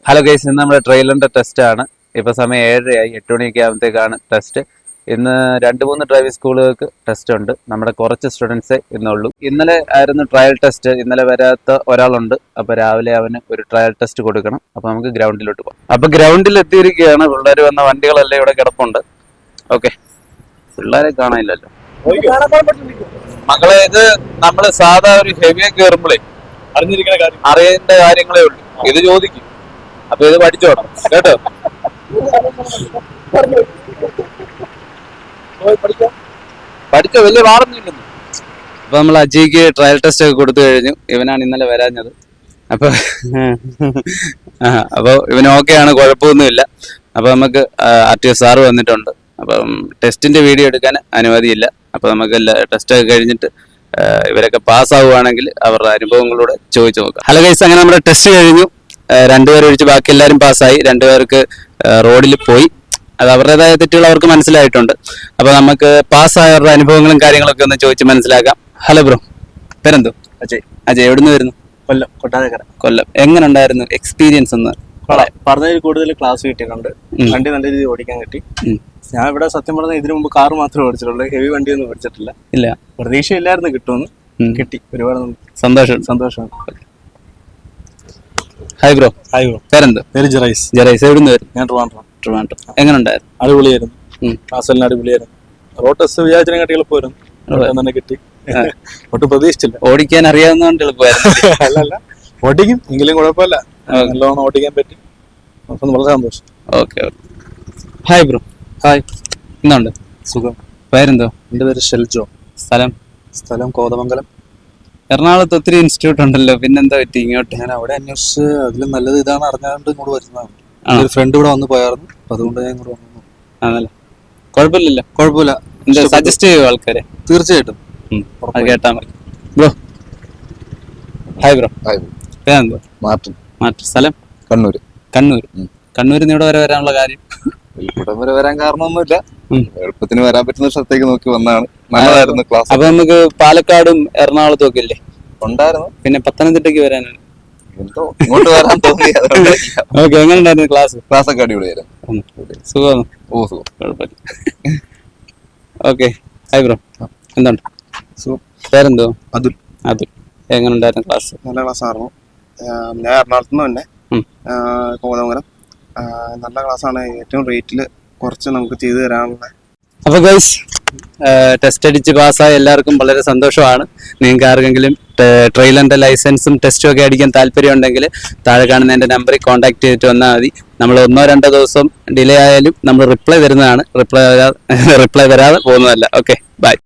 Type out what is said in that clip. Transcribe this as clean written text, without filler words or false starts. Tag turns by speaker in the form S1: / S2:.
S1: Hello guys, ഇന്ന് നമ്മുടെ ട്രെയിലറിന്റെ test ആണ്. ഇപ്പൊ സമയം 7:30 8 മണിയൊക്കെ ആകുമ്പോഴത്തേക്കാണ് ടെസ്റ്റ്. ഇന്ന് 2-3 ഡ്രൈവിംഗ് സ്കൂളുകൾക്ക് ടെസ്റ്റ് ഉണ്ട്. നമ്മുടെ കുറച്ച് സ്റ്റുഡൻസേ ഇന്നുള്ളൂ. ഇന്നലെ ആയിരുന്നു ട്രയൽ ടെസ്റ്റ്. ഇന്നലെ വരാത്ത ഒരാളുണ്ട്. അപ്പൊ രാവിലെ അവന് ഒരു ട്രയൽ ടെസ്റ്റ് കൊടുക്കണം. അപ്പൊ നമുക്ക് ഗ്രൗണ്ടിലോട്ട് പോകാം. അപ്പൊ ഗ്രൗണ്ടിൽ എത്തിയിരിക്കുകയാണ്. പിള്ളേർ വന്ന വണ്ടികളെല്ലാം ഇവിടെ കിടപ്പുണ്ട്. ഓക്കെ, പിള്ളേരെ കാണാനില്ലല്ലോ. മക്കളെ, ഇത് നമ്മള് സാധാ ഒരു ഹെവിയെ കയറുമ്പോഴേ അറിയേണ്ട കാര്യങ്ങളേ ഉള്ളൂ. ഇത് ചോദിക്കും. അപ്പൊ ഇത് പഠിച്ചോണം കേട്ടോ. പഠിച്ചോ, വലിയ പാടൊന്നുമില്ലെന്ന്. അപ്പൊ നമ്മൾ അജയ്ക്ക് ട്രയൽ ടെസ്റ്റ് ഒക്കെ കൊടുത്തു കഴിഞ്ഞു. ഇവനാണ് ഇന്നലെ വരാഞ്ഞത്. അപ്പൊ ഇവന് ഓക്കെയാണ്, കുഴപ്പമൊന്നുമില്ല. അപ്പൊ നമുക്ക് RTO സാറ് വന്നിട്ടുണ്ട്. അപ്പം ടെസ്റ്റിന്റെ വീഡിയോ എടുക്കാൻ അനുമതിയില്ല. അപ്പൊ നമുക്ക് ടെസ്റ്റ് ഒക്കെ കഴിഞ്ഞിട്ട് ഇവരൊക്കെ പാസ്സാവുകയാണെങ്കിൽ അവരുടെ അനുഭവങ്ങളൂടെ ചോദിച്ചു നോക്കാം. ഹലോ ഗൈസ്, അങ്ങനെ നമ്മുടെ ടെസ്റ്റ് കഴിഞ്ഞു. 2 പേർ ഒഴിച്ച് ബാക്കി എല്ലാവരും പാസ്സായി. 2 പേർക്ക് റോഡിൽ പോയി. അത് അവരുടേതായ തെറ്റുകൾ അവർക്ക് മനസ്സിലായിട്ടുണ്ട്. അപ്പൊ നമുക്ക് പാസ്സായവരുടെ അനുഭവങ്ങളും കാര്യങ്ങളൊക്കെ ഒന്ന് ചോദിച്ച് മനസ്സിലാക്കാം. ഹലോ ബ്രോ, പേരെന്തോ? അജയ്. എവിടുന്ന് വരുന്നു?
S2: കൊല്ലം, കൊട്ടാരക്കര.
S1: കൊല്ലം. എങ്ങനെ ഉണ്ടായിരുന്നു എക്സ്പീരിയൻസ്? ഒന്ന്
S2: പറഞ്ഞതിൽ കൂടുതൽ ക്ലാസ് കിട്ടിയിട്ടുണ്ട്. വണ്ടി നല്ല രീതിയിൽ ഓടിക്കാൻ കിട്ടി. ഞാൻ ഇവിടെ സത്യം പറഞ്ഞാൽ ഇതിനു മുമ്പ് കാർ മാത്രമേ ഓടിച്ചിട്ടുള്ളൂ. ഹെവി വണ്ടിയൊന്നും ഓടിച്ചിട്ടില്ല.
S1: ഇല്ല,
S2: പ്രതീക്ഷയില്ലായിരുന്നു കിട്ടുമെന്ന്. കിട്ടി. ഒരുപാട് സന്തോഷമാണ്.
S1: Hi bro.
S2: Hi bro.
S1: പേരെന്തോ?
S2: പേര് ജെറൈസ്.
S1: എവിടുന്ന് വരുന്നു?
S2: ഞാൻ ട്രിവാൻഡ്രം.
S1: എങ്ങനെ ഉണ്ടായിരുന്നു?
S2: അടിപൊളിയായിരുന്നു. ക്ലാസ് എല്ലാം അടിപൊളിയായിരുന്നു. റോഡ് ടെസ്റ്റ് വിചാരിച്ചതിനെ കാട്ടി എളുപ്പമായിരുന്നു. തന്നെ കിട്ടി. ഒട്ടും പ്രതീക്ഷിച്ചില്ല.
S1: ഓടിക്കാൻ അറിയാവുന്നതുകൊണ്ട് എളുപ്പമായിരുന്നു.
S2: അല്ല, ഓടിക്കും എങ്കിലും കുഴപ്പമില്ല. നല്ലോണം ഓടിക്കാൻ പറ്റി. അപ്പം വളരെ സന്തോഷം.
S1: ഓക്കെ. Hi bro.
S2: ഹായ്.
S1: എന്തുണ്ട്?
S2: സുഖം.
S1: പേരെന്തോ?
S2: എൻ്റെ പേര് ഷെൽജോ. സ്ഥലം കോതമംഗലം.
S1: എറണാകുളത്ത് ഒത്തിരി ഇൻസ്റ്റിറ്റ്യൂട്ട് ഉണ്ടല്ലോ, പിന്നെന്താ പറ്റി ഇങ്ങോട്ട്?
S2: ഞാൻ അവിടെ അന്വേഷിച്ച് അതിലും നല്ലത് ഇതാണ് അറിഞ്ഞാണ്ട് ഇങ്ങോട്ട് വരുന്നതാണ്. ഒരു ഫ്രണ്ട് ഇവിടെ വന്ന് പോയായിരുന്നു. അപ്പൊ അതുകൊണ്ട് ഞാൻ ഇങ്ങോട്ട് വന്നു.
S1: ആണല്ലേ? കുഴപ്പമില്ലല്ലോ.
S2: കുഴപ്പമില്ല.
S1: സജസ്റ്റ് ചെയ്യുമോ ആൾക്കാരെ?
S2: തീർച്ചയായിട്ടും.
S1: അത് കേട്ടാ മതി. ബ്രോ. Hi bro. പേരെന്തോ?
S3: മാർട്ടിൻ.
S1: സ്ഥലം? കണ്ണൂരിൽ നിന്ന് ഇവിടെ വരെ വരാനുള്ള കാര്യം?
S3: ഇവിടം വരെ വരാൻ കാരണമൊന്നുമില്ല. എളുപ്പത്തിന് വരാൻ പറ്റുന്ന സ്ഥലത്തേക്ക് നോക്കി വന്നതാണ്. നല്ലതായിരുന്നു ക്ലാസ്.
S1: അപ്പൊ നമുക്ക് പാലക്കാടും എറണാകുളത്തും ഒക്കെ ഇല്ലേ?
S3: ഉണ്ടായിരുന്നു.
S1: പിന്നെ പത്തനംതിട്ടയ്ക്ക് വരാനാണ്.
S3: എന്തോ ഇങ്ങോട്ട് വരാൻ തോന്നി.
S1: ഓക്കെ. എങ്ങനെ ഉണ്ടായിരുന്നു ക്ലാസ്?
S3: ഒക്കെ അടിപൊളിയായിരുന്നു.
S1: സുഖമാണ്.
S3: ഓ, സുഖം.
S1: കുഴപ്പമില്ല. ഓക്കെ. Hi bro. എന്തുണ്ട്?
S2: സുഖം.
S1: പേരെന്തോ?
S2: അതുൽ.
S1: എങ്ങനെ ഉണ്ടായിരുന്നു ക്ലാസ്?
S2: നല്ല ക്ലാസ് ആയിരുന്നു. ഞാൻ എറണാകുളത്ത് നിന്ന് തന്നെ കോതമംഗലം. നല്ല ക്ലാസ്സാണ്. ഏറ്റവും റേറ്റിൽ കുറച്ച് നമുക്ക് ചെയ്തു തരാനുള്ള.
S1: അപ്പൊ ഗൈസ്, ടെസ്റ്റ് അടിച്ച് പാസ്സായ എല്ലാവർക്കും വളരെ സന്തോഷമാണ്. നിങ്ങൾക്ക് ആർക്കെങ്കിലും ട്രെയിലറിന്റെ ലൈസൻസും ടെസ്റ്റും ഒക്കെ അടിക്കാൻ താല്പര്യം ഉണ്ടെങ്കിൽ താഴെ കാണുന്ന എൻ്റെ നമ്പറിൽ കോൺടാക്ട് ചെയ്തിട്ട് വന്നാൽ മതി. നമ്മൾ 1-2 ദിവസം ഡിലേ ആയാലും നമ്മൾ റിപ്ലൈ തരുന്നതാണ്. റിപ്ലൈ വരാതെ പോകുന്നതല്ല. Okay, by.